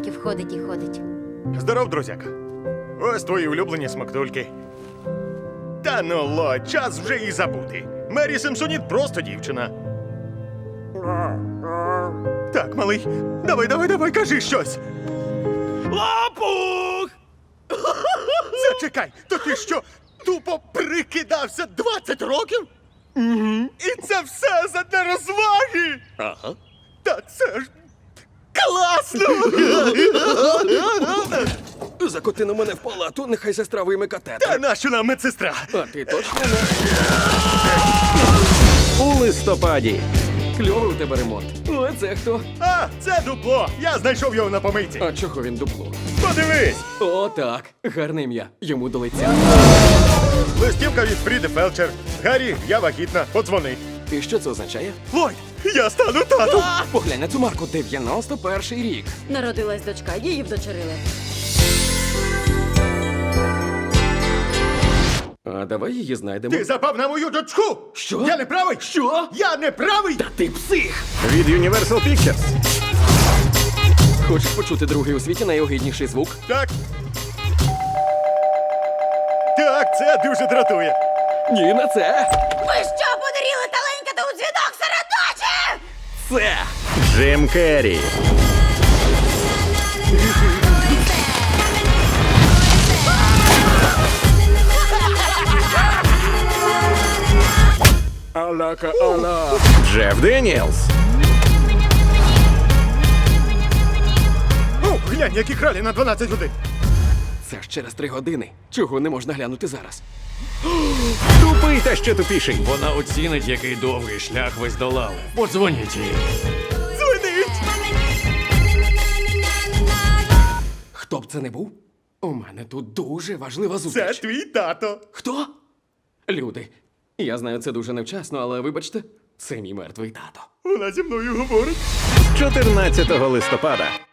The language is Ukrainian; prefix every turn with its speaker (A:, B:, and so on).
A: років ходить і ходить.
B: Здоров, друзяка. Ось твої улюблені смактульки. Та ну, Ло, час вже і забути. Мері Симпсоніт просто дівчина. Так, малий, давай, кажи щось.
C: Лопух!
B: Зачекай, то ти що, тупо прикидався 20 років? І це все задля розваги?
C: Ага.
B: Та це ж класно!
C: Закоти на мене в палату, нехай сестра вийме катетер.
B: Та нащо нам медсестра?
C: А ти точно не?
D: У листопаді.
C: Кльовий у тебе ремонт. О, це хто?
B: А, це дупло. Я знайшов його на помийці.
C: А чого він дупло?
B: Подивись!
C: О, так. Гарне ім'я. Йому до лиця.
B: Листівка від Фріди Фелчер. Гаррі, я вагітна. Подзвони.
C: І що це означає?
B: Ллойд, я стану татом!
C: Поглянь на цю марку, 91-й рік.
A: Народилась дочка, її вдочерили.
C: А давай її знайдемо.
B: Ти запав на мою дочку!
C: Що?
B: Я не правий?
C: Що?
B: Я не правий!
C: Та ти псих!
D: Від Universal Pictures.
C: Хочеш почути другий у світі найогидніший звук?
B: Так. Так, це дуже дратує.
C: Ні, на це!
A: Ви що, подаріли таленькати у дзвінок серед ночі?
C: Це!
D: Джим Керрі.
C: Алака ала!
D: Джеф Деніелс.
B: О, глянь, які кралі на 12 годин.
C: Це ж через 3 години. Чого не можна глянути зараз?
D: Тупий та ще тупіший.
E: Вона оцінить, який довгий шлях ви здолали. Подзвоніть їй.
B: Дзвонить!
C: Хто б це не був? У мене тут дуже важлива
B: Це
C: зустріч.
B: твій тато.
C: Хто? Люди. Я знаю, це дуже невчасно, але вибачте, це мій мертвий тато.
B: Вона зі мною говорить.
D: 14 листопада.